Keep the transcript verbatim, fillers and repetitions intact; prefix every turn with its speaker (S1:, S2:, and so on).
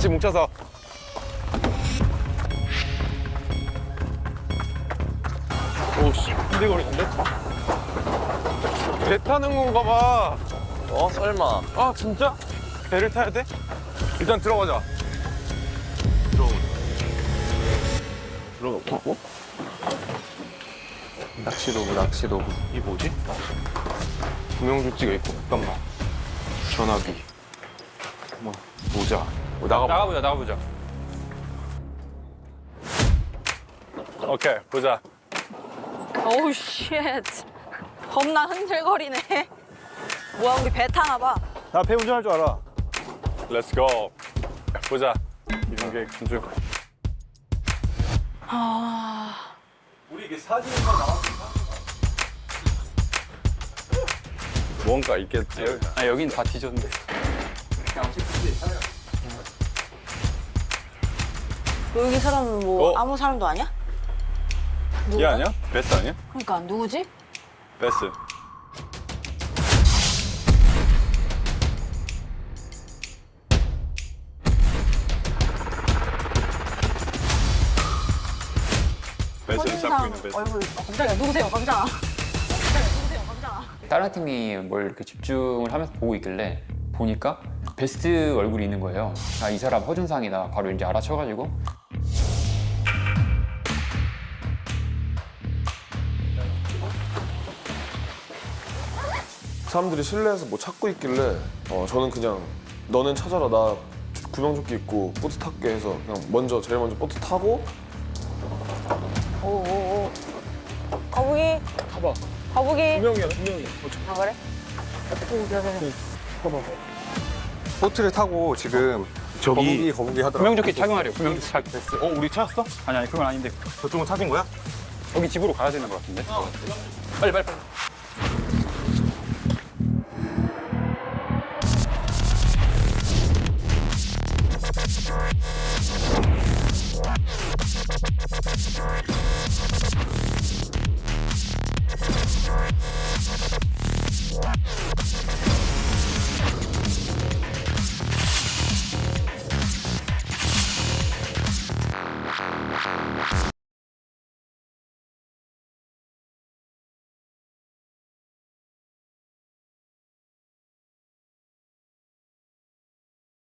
S1: 같이 뭉쳐서. 오씨, 흔들거리는데? 배 타는 건가 봐.
S2: 어 설마.
S1: 아, 진짜? 배를 타야 돼? 일단 들어가자. 들어가자. 들어가. 어?
S2: 낚시도구 낚시도구.
S1: 이 뭐지? 구명조끼가 있고, 잠깐만. 전화기. 뭐, 모자. 뭐, 나가보자. 나가보자, 나가보자. 오케이, 보자.
S3: 오우 쉣. 겁나 흔들거리네. 뭐야 우리 배 타나 봐.
S1: 나 배 운전할 줄 알아. Let's go. 보자. 이런 게 준수.
S3: 아.
S1: 우리 이게 사진만 나왔을까? 뭔가 있겠지.
S4: 아 여긴 다 뒤졌는데.
S3: 여기 사람은 뭐
S1: 어?
S3: 아무 사람도 아니야?
S1: 얘
S3: 누구야?
S1: 아니야? 베스 아니야?
S3: 그러니까 누구지?
S1: 베스. 베스를 잡고 있는 베스.
S3: 얼굴 어, 깜짝이야. 누구세요? 깜짝아. 깜짝이야. 누구세요? 깜짝아.
S4: 다른 팀이 뭘 이렇게 집중을 하면서 보고 있길래 보니까 베스트 얼굴이 있는 거예요. 아, 이 사람 허준상이다. 바로 이제 알아쳐가지고
S5: 사람들이 실내에서 뭐 찾고 있길래 어, 저는 그냥 너는 찾아라 나 구명조끼 입고 보트 탈게 해서 그냥 먼저 제일 먼저 보트 타고
S3: 오오오. 거북이.
S1: 봐봐.
S3: 거북이.
S1: 두 명이야, 두 명이야.
S3: 아 그래? 오 그래 그래.
S6: 보트를 타고 지금
S1: 저기
S6: 거북이 거북이 하더라고.
S4: 구명조끼 착용하래요. 구명조끼 착용.
S1: 어, 우리 찾았어?
S4: 아니 아니 그건 아닌데
S1: 저쪽은 찾은 거야?
S4: 여기 집으로 가야 되는 것 같은데. 빨리 빨리 빨리.